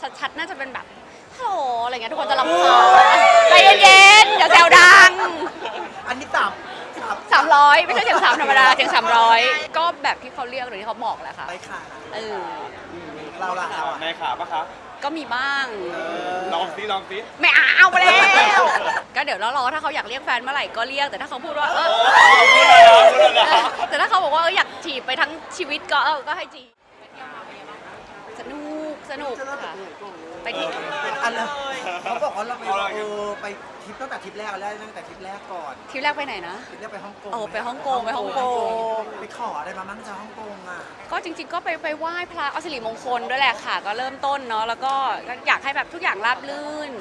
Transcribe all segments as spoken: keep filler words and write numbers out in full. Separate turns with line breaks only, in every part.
ชัดๆน่าจะเป็นแบบฮัลโหลอะไรเงี้ยทุกคนจะรำคาญใจเย็นๆอย่าแซวดัง
อันนี้สาม
สามร้อยไม่ใช่เสียงสามธรรมดาเสียงสามร้อยก็แบบที่เขาเรียกหรือที่เขาบอกแหละค่ะ
ไปขา
เออ
เราล่ะเรา
ในขาปะคะ
ก็มีบ้าง
ลองซิลองซิ
ไม่เอาไปแล้วก็เดี๋ยวรอถ้าเขาอยากเรียกแฟนเมื่อไหร่ก็เรียกแต่ถ้าเขาพูดว่าเออแต่ถ้าเขาบอกว่าเอออยากจีบไปทั้งชีวิตก็เออก็ให้จีบสนุกสนุกค่ะไปที่
อันเลยเขาบอกว่าเราไปเออไปทริปตั้งแต่ทริปแรกแล้วตั้งแต่ทริปแรกก่อน
ทริปแรกไปไหนนะ
ทริปแรกไปฮ่องกง
โอ้ไปฮ่องกงไปฮ่องกง
ไปขออะไรมาบ้างจากฮ่องกงอ่ะ
ก็จริงๆก็ไปไปไหว้พระเอาสิริมงคลด้วยแหละค่ะก็เริ่มต้นเนาะแล้วก็อยากให้แบบทุกอย่างราบรื่น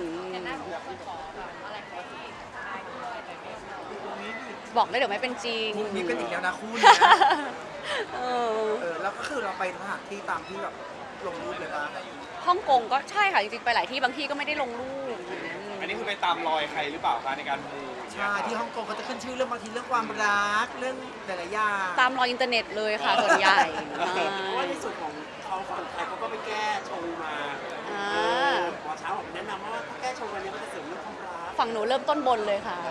บอกเลยเดี๋ยวไม่เป็นจริง
มีกันอีกแล้วนะคู่นี้เออแล้วก็คือเราไปสถานที่ตามที่แบบลงรูปเลยป่ะ
ฮ่องกงก็ใช่ค่ะจริงๆไปหลายที่บางที่ก็ไม่ได้ลงรูป
อันนี้คือไปตามรอยใครหรือเปล่าคะในการมู
ใช่ที่ฮ่องกงเขาจะขึ้นชื่อเรื่องบางทีเรื่องความรักเรื่องหลายๆอย่าง
ตามรอยอินเทอร์เน็ตเลยค่ะส่วนใหญ่
เพราะว่าในส่วนของเขาฝั่งไทยเขาก็ไปแก้ชงมาหมอเช้าผมแนะนำว่าถ้าแก้ชงวันนี้มันจะเสริมเรื่องความรัก
ฝั่งหนูเริ่มต้นบนเลยค่ะ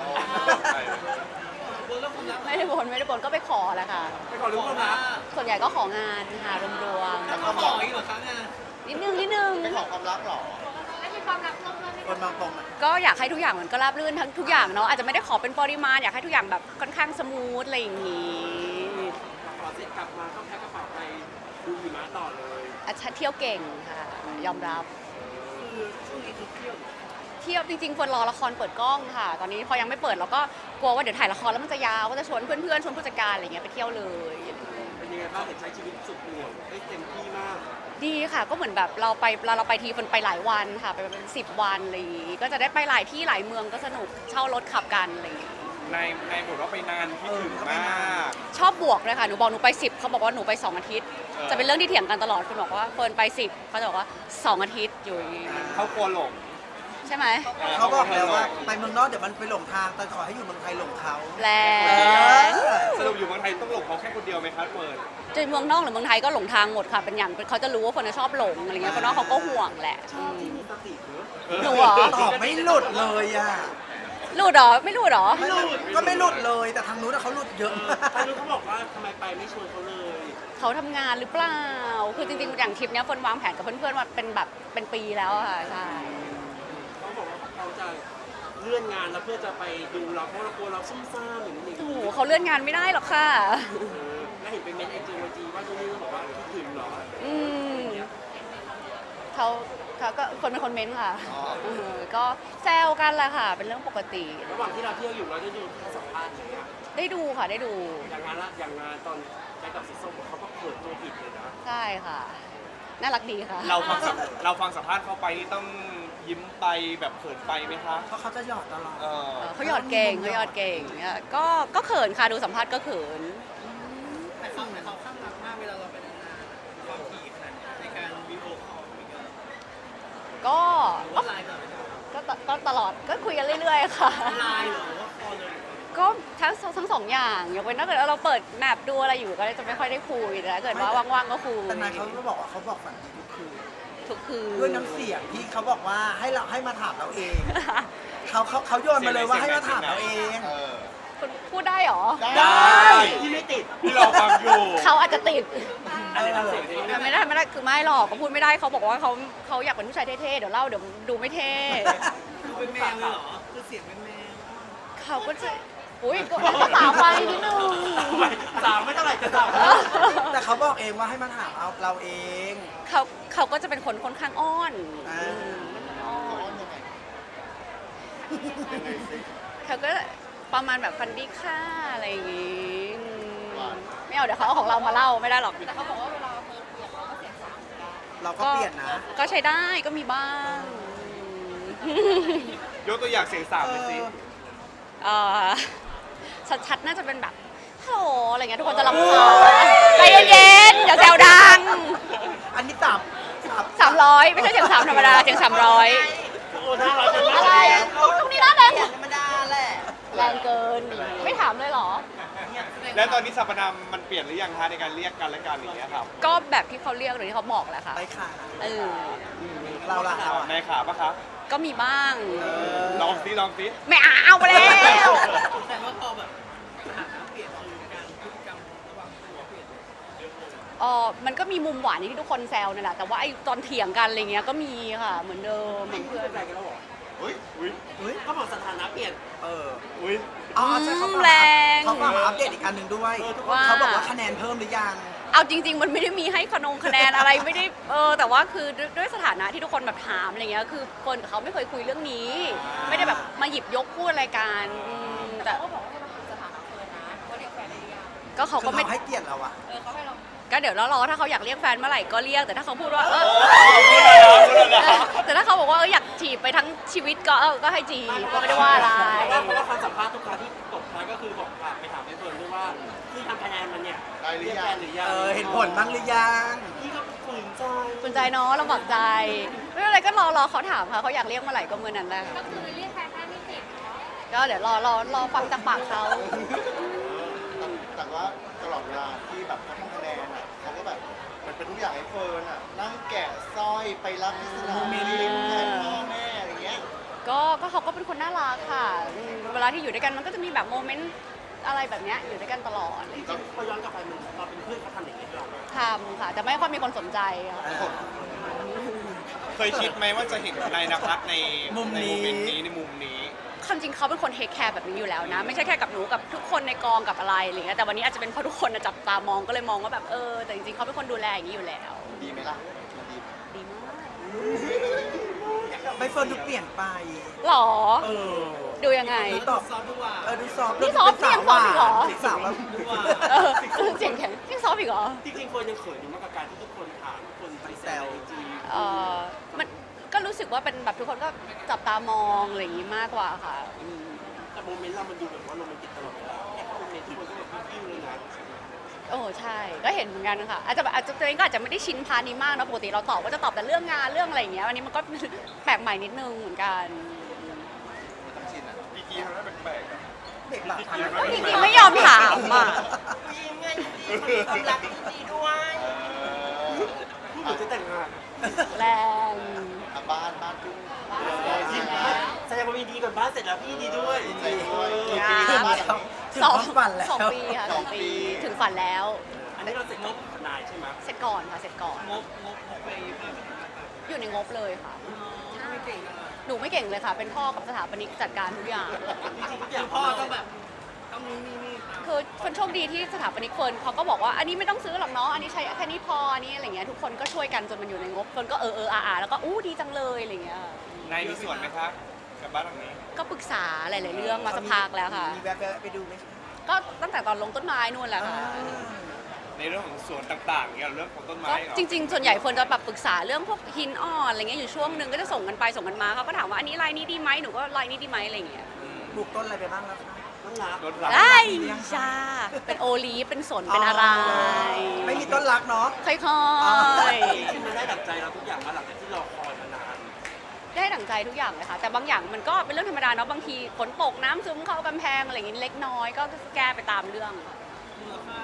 ไม่ได้บนไม่ได้บนก็ไปขอแหละค่ะ
ไปขอเรื่องความรัก
ส่วนใหญ่ก็ของานค่ะรวมๆ
แล้วก็ขออีกเหรอคะงาน
นิดนึงนิดนึง
ไปขอความรักหรอคนบางตรง
ก็อยากให้ทุกอย่างมันก็ราบรื่นทั้งทุกอย่างเนาะอาจจะไม่ได้ขอเป็นปริมาณอยากให้ทุกอย่างแบบค่อนข้างสมูทอะไรอย่างงี้
ขอเสร็จกลับมาก็แพ็คกระเป๋าไปดูหิมะต่อเลย
อาชาเที่ยวเก่งค่ะยอมรับ
คือช่วงนี้คือเที่ยว
เที่ยวจริงๆคนรอละครเปิดกล้องค่ะตอนนี้พอยังไม่เปิดเราก็กลัวว่าเดี๋ยวถ่ายละครแล้วมันจะยาวก็จะชวนเพื่อนๆชวนผู้จัดการอะไรเงี้ยไปเที่ยวเลย
เป็นยังไงบ้างเห็นใช้ชีวิตสุดเหวี่ยงได้เต็มที่มาก
ดีค่ะก็เหมือนแบบเราไปเราเราไปทีคนไปหลายวันค่ะไปเป็นสิบวันอะไรอย่างงี้ก็จะได้ไปหลายที่หลายเมืองก็สนุกเช่ารถขับกันอะไรอย่างงี้
ในในบทว่าไปนานที่ถึงมาก
ชอบบวกเลยค่ะหนูบอกหนูไปสิบเขาบอกว่าหนูไปสองอาทิตย์จะเป็นเรื่องที่เถียงกันตลอดคนบอกว่าเฟิร์นไปสิบเขาจะบอกว่าสองอาทิตย์อยู่
เขากลัวหลง
ใช่ไหม
เขาบอกแล้วว่าไปเมืองนอกเดี๋ยวมันไปหลงทางแต่ขอให้อยู่เมืองไทยหลงเขา
แรง
สรุปอยู่เมืองไทยต้องหลงเขาแค่คนเดียวไหมครับเฟิร์น
จะเมืองนอกหรือเมืองไทยก็หลงทางหมดค่ะเป็นอย่างเขาจะรู้ว่าคนชอบหลงอะไรเงี้ยคนนอกเขาก็ห่วงแหละ
ชอบที่มีสติ
หนูเหรอ
ตอบไม่หลุดเลยอ่ะ
หลุดเหรอไม่หลุดเหรอ
ไม่หลุดก็ไม่หลุดเลยแต่ทางนู้นเขาหลุดเยอะ
ทางนู้นเขาบอกว่าทำไมไปไม่ชวนเขาเลย
เขาทำงานหรือเปล่าคือจริงๆอย่างทริปนี้คนวางแผนกับเพื่อนๆมาเป็นแบบเป็นปีแล้วค่ะใช่
เขาบอกว่าเขาจะเลื่อนงานแล้วเพื่อจะไปดูเราเพราะเรากลัวเราซุ่มซ่ามอย่างนี้
โอ้โหเขาเลื่อนงานไม่ได้หรอกค่ะ
แล้วเห็นเป็นเมนไอจีไอจีว่าช่วงนี้เขาบอกว่าคิดถึงเหรอ
อืมเขาเขาก็คนเป็นคนเม้นค่ะก็แซวกันแหละค่ะเป็นเรื่องปกติ
ระหว่างที่เราเที่ยวอยู่เราได้ดูทั้งสัมภาษณ์อย่างเงี้ย
ได้ดูค่ะได้ดู
อย่างงานละอย่างงานตอนไปกับสีส้มเขาก็เปิดตัวผิดเลยนะ
ใช่ค่ะน่ารักดีค่ะ
เราฟังเราฟังสัมภาษณ์เขาไปนี่ต้องยิ้มไปแบบเขินไปไหมคะ
เพราะเขาจะหยอดตลอด
เขาหยอดเก่งเขาหยอดเก่งเนี่ยก็ก็เขินค่ะดูสัมภาษณ์ก็เขิน
แต่เขาแต่เขาข้างรักมากเวลาเราไปนานๆความถี่ขนาดในการวิดีโอคอล
ก็ก็ตลอดก็คุยกันเรื่อยๆค่ะ
ไลน์หรือว่าคอลเลย
ก็ทั้งทั้งสองอย่างยกเว้นถ้าเกิดเราเปิดแมปดูอะไรอยู่ก็จะไม่ค่อยได้คุยแต่ถ้าเกิดว่าว่างๆก็คุย
แต่นายเขาก็บอกว่าเขาบอกฝันดีทุกคืน
ทุกคืน
ด้วยน้ำเสียงที่เขาบอกว่าให้เราให้มาถามเราเองเขาเขาเขาโยนมาเลยว่าให้มาถามเราเอง
คุณพูดได้หรอ
ได้
ที่ไม่ติด
ที่เราฟังอยู่
เขาอาจจะติดไม่ได้ไม่ได้คือไม่หรอกเขาพูดไม่ได้เขาบอกว่าเขาเขาอยากเป็นผู้ชายเท่ๆเดี๋ยวเล่าเดี๋ยวดูไม่เท่
เป็นแมวเลยเหรอคือเสียงเป็นแมว
เขาก็จะอุ้ยก็สาวไปนิดนึง
สาวไม่เท่าไหร่จะสาว
แต่เขาบอกเองว่าให้มาถามเอาเราเอง
เขาเขาก็จะเป็นคนค่อนข้างอ้อนเขาก็ประมาณแบบฟันดี้ค่าอะไรอย่างงี้ไม่เอาเดี๋ยวเขาเอาของเรามาเล่าไม่ได้หรอกแต่เขาบอกว่าเวลาเฟิร์นเปลี่ยนเราก็เสียงสามเหมือนกัน
เราก็เปลี่ยนนะ
ก็ใช้ได้ก็มีบ้าง
ยกตัวอย่างเสียงสามเลยสิ
ชัดๆน่าจะเป็นแบบฮัลโหลอะไรเงี้ยทุกคนจะรำคาญใจเย็นๆอย่าแซวดัง
อันนี้สาม
สามร้อยไม่ใช่เสียงสามธรรมดาเสียงสามร้อยอะไรตรงนี้น่าแรง
ธรรมดาแหละ
แรงเกินไม่ถามเลยเหรอ
เนี่ย
แล้วตอนนี้สรรพนามมันเปลี่ยนหรือยังคะในการเรียกกันและกันอย่างเงี้ยครับ
ก็แบบที่เขาเรียกหรือที่เขาบอกแหละค่ะ
ไปค่ะ
เออ
เราล่ะเราอะ
ในขาปะคะ
ก็มีบ้าง
ลองซิลองซิ
ไม่เอาไปแล้ว
แต่ว่าพอแบบสถานะเปลี่ยนคือการพฤติกรรมระหว่างตัวเปลี่ยน
เออมันก็มีมุมหวานอย่างที่ทุกคนแซวนั่นแหละ แต่ว่าไอ้ตอนเถียงกันอะไรเงี้ยก็มีค่ะ เหมือนเดิมเหมือน
เพื่
เพื่
อ
อน น
ใจกันแล้วเหรอ
อุ้ยอุ้ย
เฮ้ย
ก็บอกสถานะเปลี่ยน
เออ
อุ้ย
อ๋อใช่เขาฝาก
แรง
เขาฝากมาอัปเดตอีกอันหนึ่งด้วย
ว่า
เขาบอกว่าคะแนนเพิ่มหรือยัง
เอาจริง ๆ มันไม่ได้มีให้ขนงคะแนนอะไรไม่ได้ เออ แต่ว่าคือด้วยด้วยสถานะที่ทุกคนแบบถามอะไรเงี้ย คือเฟิร์นกับเขาไม่เคยคุยเรื่องนี้ ไม่ได้แบบมาหยิบยกพูดอะไรกันอืมแต่ก็บอกว่ามันคือสถานะเฟิร์นนะว่าเรียกแฟนได้หรือยังก็เขา
คื
ก็
อ
ไม่
เขาให้เกียรติเราอะ
ก็เดี๋ยวรอๆถ้าเขาอยากเรียกแฟนเมื่อไหร่ก็เรียก แต่ถ้าเขาพูดว่าเออ
พูดเลยนะพูดเลยนะ
แต่ถ้าเขาบอกว่าเอออยากจีบไปทั้งชีวิตก็เออก็ให้จีบก็ไม่ได้ว่าอะไร
เพราะว่าเพราะว่าคำสัมภาษณ์ทุกครั้งที่ตกท้ายก็คือบอกฝากไปถามในส่วนด้วยว่าที่ทำคะแนนมันเนี่ยเรียกแฟนหรือยัง
เออเห็นผลบ้างหรือยัง
พี่ก็ฝืนใจ
สนใจเนาะลำบากใจ ไม่เป็นไรก็รอรอเขาถามค่ะเขาอยากเรียกเมื่อไหร่ก็เมื่อนั้นแหละก็คือเรียกแฟนได้ไม่ติดก็เดี๋ยวรอรอรอฟังจากปากเขา
แต่ว่าตลอดเวลาที่แบบเขาทำคะแนนอ่ะเขาก็แบบมันเป็นทุกอย่างให้เฟิร์นอ่ะนั่งแกะสร้อยไปรับที่สนามบินแทนพ่อแม่อะไรเงี้ย
ก็ก็เขาก็เป็นคนน่ารักค่ะอืมเวลาที่อยู่ด้วยกันมันก็จะมีแบบโมเมนต์อะไรแบบเนี้ยอยู่ด้วยกันตลอด
จริงๆพอย้อนกลับไปมันเราเป็นเพื่อนเขาทำอย่างนี้หรอ
ทำค่ะแต่ไม่ค่อยมีคนสนใจค่ะ
เคยคิดไหมว่าจะเห็นนายนภัสใน
มุม
ใน
นี้
โมเมนต์นี้ในมุมนี้
ความจริงเขาเป็นคนเทคแคร์แบบนี้อยู่แล้วนะ ไม่ใช่แค่กับหนูกับทุกคนในกองกับอะไรอะไรเงี้ยแต่วันนี้อาจจะเป็นเพราะทุกคนน่ะจับตามองก็เลยมองว่าแบบเออแต่จริงๆเขาเป็นคนดูแลอย่างนี้อยู่แล้ว
ดีไหมล่ะมันดี
ดีมาก
ไม่เฟิร์นดูเปลี่ยนไป
หรอ
เออ
ดูยังไง
ดูตอบ
ซอฟต์ทุกว่า
เออดูซอฟต์
นี่ซอฟต์
ดูเป็น
นี่ยังซอฟต์อีกเหรอ
สาวแบบ
เออเสียงแข็งที่ซอฟต์อีกเหรอ
จริงๆเฟิร์นยังเขินอยู่มากกับการที่ทุกคนถามทุกคนไปแซวจริง
เออมันก็รู้สึกว่าเป็นแบบทุกคนก็จับตามองอะไรอย่างนี้มากกว่าค่ะอืม
แต่โมเมนต์เรามันดูแบบว่าโรแมนติกตลอดเวลาแค่โมเมนต์ทุกคนก็แบบยิ้วเลยนะ
โอ้ใช่ก็เห็นเหมือนกันค่ะอาจจะแบบอาจจะตัวเองก็อาจจะไม่ได้ชินพาร์ทนี้มากนะปกติเราตอบก็จะตอบแต่เรื่องงานเรื่องอะไรอย่างเงี้ยวันนี้มันก็ แปลกใหม่นิดนึงเหมือนกัน
ต้องชินอ่ะ
พี่กีทำได้แปลกๆอะ
เด็กหลักท
ก็จริงๆไม่ยอมถามอ่ะ
ยิ้มไงดีความรักดีด้วยพูดเหมือนจะแต่งงาน
แรง
อ่ะบ้านบ้านจุ้ง
แสดงว่ามีดีก่อนบ้านเสร็จแล้วพี่ดีด้วย
ดีใจด้วย
เออ
กี่ปีแล้วบ้านอ่ะ
ถึง
สอง
ความฝันแล้ว
สองปีค่ะสองปีถึงฝันแล้ว
อันนี้เราเสร็จงบทนายใช่ไหม
เสร็จก่อนค่ะเสร็จก่อน
งบงบงบไปมาก
อยู่ในงบเลยค่ะ
ไม่เก่งอะ
หนูไม่เก่งเลยค่ะ เป็นพ่อกับสถาปนิกจัดการทุกอย่าง
จริงๆทุกอย่างพ่อต้องแบบต้องนี่นี่นี่
คือคนโชคดีที่สถาปนิกเฟิร์นเขาก็บอกว่าอันนี้ไม่ต้องซื้อหรอกเนาะอันนี้ใช้แค่นี้พออันนี้อะไรเงี้ยทุกคนก็ช่วยกันจนมันอยู่ในงบเฟิร์นก็เออเอออาอาแล้วก็อู้ดีจังเลยอะไรเงี้ย
นายมีส่วนไหมคะกับบ้านหลังนี้
ก็ปรึกษาหลาย ๆ เรื่องมาสักพักแล้วค่ะ
มีแวะๆไปดูไหมคะ
ก็ตั้งแต่ตอนลงต้นไม้นู่นแหละค่ะ
ในเรื่องของสวนต่างๆเกี่ยวกับเรื่องของต้นไม้
ก็
เหรอ
จริง ๆ ส่วนใหญ่เฟิร์นจะแบบปรึกษาเรื่องพวกหินอ่อนอะไรเงี้ยอยู่ช่วงหนึ่งก็จะส่งกันไปส่งกันมาเขาก็ถามว่าอันนี้ลายนี้ดีไหมหนูก็ลายนี้ดีไหมอะไรเงี้ย
ปลูกต้นอะไรไปบ้างแล้วคะ
ต้องรัก
รถหลัง
ได้จ้าเป็นโอลีฟเป็นสนเป็นอะไร
ไม่มีต้นรักเนาะ
ค่อย
จริงๆมันได้ดั่งใจเราทุกอย่างมาหลังจากที่เราคอยมานาน
ๆได้ดั่งใจทุกอย่างเลยค่ะ แต่บางอย่างมันก็เป็นเรื่องธรรมดาเนาะบางทีฝนตกน้ำซึมเข้ากำแพงอะไรอย่างงี้เล็กน้อยก็แก้ไปตามเรื่อง
มูลค่า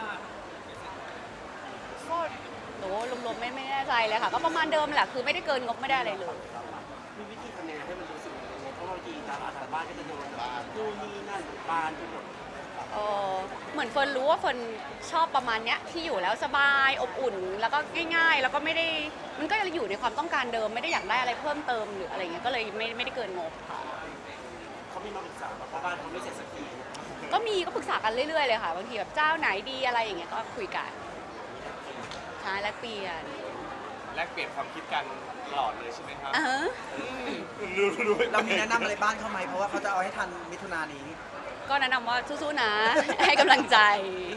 ก็โหรวมๆไม่ไม่แน่ใจเลยค่ะ ก็ประมาณเดิมแหละคือไม่ได้เกินงบไม่ได้อะไรเลย
มีวิธีทำยังไงให้มันรู้สึกยังไงเพราะบางทีตามอาถรรพ์บ้านก็จะโดนบ้านนู่นนี่นั่นบานไปหมด
เออเหมือนเฟิร์นรู้ว่าเฟิร์นชอบประมาณเนี้ยที่อยู่แล้วสบายอบอุ่น แล้วก็ง่าย ๆ แล้วก็ไม่ได้มันก็ยังอยู่ในความต้องการเดิมไม่ได้อยากได้อะไรเพิ่มเติมหรืออะไรเงี้ยก็เลยไม่ไม่ได้เกินงบค่ะ
เขามีมาปรึกษาเพราะบ้านเขาไม่เสร็จสักที
ก็มีก็ปรึกษากันเรื่อยๆเลยค่ะบางทีแบบเจ้าไหนดีอะไรอย่างเงี้ยก็คุยกันใช่แลกเปลี่ยน
แลกเปลี่ยนความคิดกันตลอดเลยใช่ไหมครับ
อ่าฮะ
รู้รู้
เรามีแนะนำอะไรบ้านเขาไหมเพราะว่าเขาจะเอาให้ทันมิถุนายนนี้
ก็แนะนำว่าสู้ๆนะ ให้กำลังใจ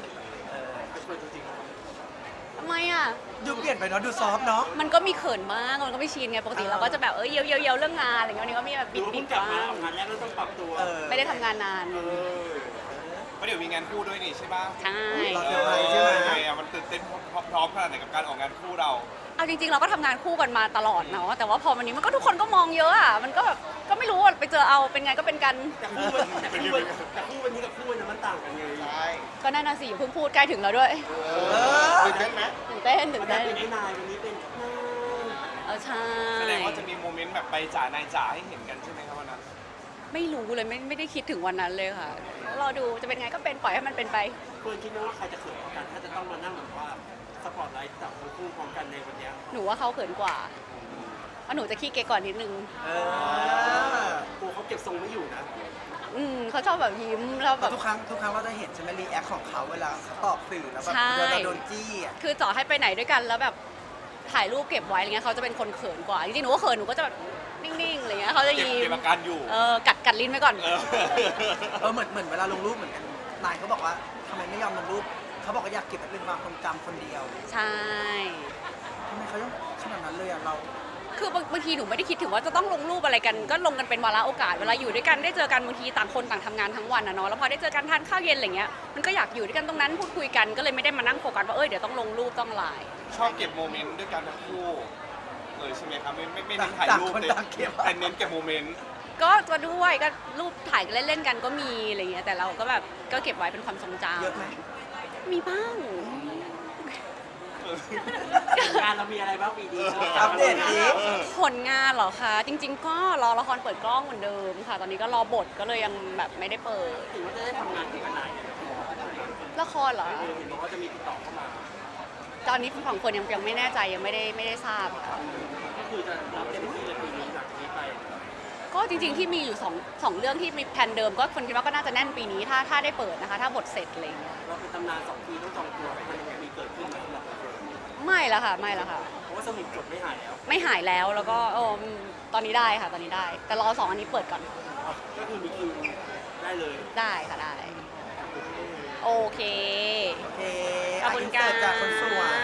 ทำไมอ่ะ
ดูเปลี่ยนไปเนาะดูซอฟต์เนาะ
มันก็มีเขินบ้างมันก็ไม่ชินไงปกติเราก็จะแบบเออเยียวเยียวเยียวเรื่องงานอะไรเงี้ยวันนี้ก็มีแบบ
ห
บิ
รือ
ด
ว่า
บิ
เพิ่
ด
งกลับมา
บ้าง
ทำงานแรกแล้วต้องปรับตัว
เออ
ไม่ได้ทำงานนาน
เออ
เพราะเดี๋ยวมีงานคู่ด้วยนี่ใช่ปะ
ใช่
รอเซอร์ไพรส์ใช่ไหม
ไงอะมันตื่นเต้นพร้อมๆขนาดไหนกับการออกงานคู่เรา
เอาจริงๆเราก็ทำงานคู่กันมาตลอดเนาะแต่ว่าพอวันนี้มันก็ทุกคนก็มองเยอะอ่ะมันก็แบบก็ไม่รู้ว่าไปเจอเอาเป็นไงก็เป็นกัน
แต่คู่วันแต่คู่วันแต่คู่วันนี้กับคู่วันนั้นมันต่างกันไง
ใช่
ก็นั่นน่ะสิอย่าเพิ่งพูดใกล้ถึงแล้วด้วย
เออตื่นเต้นไหม
ตื่นเต้นตื่
วัน
น
นั้
เต้
น
น
เป็นไอ้นายวันนี้เป็นนาย
เออใช่
แสดงว่าจะมีโมเมนต์แบบไปจ๋านายจ๋าให้เห็นกันใช่ไหมครับวันนั้น
ไม่รู้เลยไม่ไม่ได้คิดถึงวันนั้นเลยค่ะรอดูจะเป็นไงก็เป็นปล่อยให้มันเป็นไป
เฟิร์นคิดไหมว่าใครจะเขินกว่ากันถ้าจะต้องมานั่งแบบว่าสปอร์ตไลท์จับทั้งคู่พร้อมกันในวันเนี้ย
หนูว่าเขาเขินกว่าเพราะหนูจะขี้เก๊กก่อนนิดนึง
เออ
กูเขาเก็บทรงไม่อยู่นะ
อืมเขาชอบแบบยิ้มแล้วแบบ
ทุกครั้งทุกครั้งเราจะเห็นใช่ไหมรีแอคของเขาเวลาเขาตอบสื่อแล้วแบบ
ใช่
เวลาโดนจี้อ่ะ
คือต่อให้ไปไหนด้วยกันแล้วแบบถ่ายรูปเก็บไว้อะไรเงี้ยเขาจะเป็นคนเขินกว่าจริงๆหนูก็เขินหนูก็จะแบบนิ่งๆอะไรเงี้ยเขาจะ
เก็บ
ยิ้
เก็
ม
บอาการอยู่
เออกัดกัดลิ้นไว้ก่อน
เออ
เออเหมือนเหมือนเวลาลงรูปเหมือนกันนายเขาบอกว่าทำไมไม่ยอมลงรูปเขาบอกว่าอยากเก็บไว้เป็นความทรงจำคนเดียว
ใช่
ทำไมเขาต้องขนาดนั้นเลยอ่ะเรา
คือบางบางทีหนูไม่ได้คิดถึงว่าจะต้องลงรูปอะไรกัน ก็ลงกันเป็นวาระโอกาสเวลาอยู่ด้วยกันได้เจอกันบางทีต่างคนต่างทำงานทั้งวันนะเนาะแล้วพอได้เจอกันทานข้าวเย็นอะไรเงี้ยมันก็อยากอยู่ด้วยกันตรงนั้นพูดคุยกันก็เลยไม่ได้มานั่งโฟกัสว่าเอ้ยเดี๋ยวต้องลงรูปต้องไลน์
ชอบเก็บโมเมนต์ด้วยกันทั้งคู่เลยใช่ไหมครับไม่ไม่ไม่เน้นถ่าย
ต่าง
รูป
คน
เลย
ต่างเก็บ
แต่เน้นเก็บโมเมนต์
ก็จะด้วยก็รูปถ่ายกันเล่นๆกันก็มีอะไรเงี้ยแต่เราก็แบบก็เก็บไว้เป็นความทรงจ
เยอะไหม
ำมีบ้าง
งานเรามีอะไรบ้างปีนี้
อัปเดตดิ
ผลงานเหรอคะจริง ๆ ก็รอละครเปิดกล้องเหมือนเดิมค่ะ ตอนนี้ก็รอบทก็เลยยังแบบไม่ได้เปิด
ถึงว่าจะได้ทำงานที่กันไหน
ละครเหรอ
เออเห็นบอกว่าจะมีติดต่อเข้ามา
ตอนนี้ฝั่งคนยังยังไม่แน่ใจยังไม่ได้ไม่ได้ทราบค่ะ
ก็คือจะรับเต็มที่เลยปีนี้หลังจากนี้ไป
ก็จริงๆที่มีอยู่สองสองเรื่องที่มีแผนเดิมก็คนคิดว่าก็น่าจะแน่นปีนี้ถ้าถ้าได้เปิดนะคะ ถ้าบทเสร็จอะไรอย่างเงี้ย
เราเป็นตำนานสองปีต้องจองตัวไปมันยังไงมีเกิดขึ้นไหมสำหรับเรา
ไม่ละค่ะไม่ละค่ะ
เพราะว่าสมุดจดไม่หายแล้ว
ไม่หายแล้วแล้วก็เออตอนนี้ได้ค่ะตอนนี้ได้ แต่รอสองอันนี้เปิดก่อน
ก็คือมีคิวได้เลย
ได้ค่ะได้ โอเค
โอเค
ขอบคุณ
ะ
ค่ะ
อินเสิร์ตจากคนสวย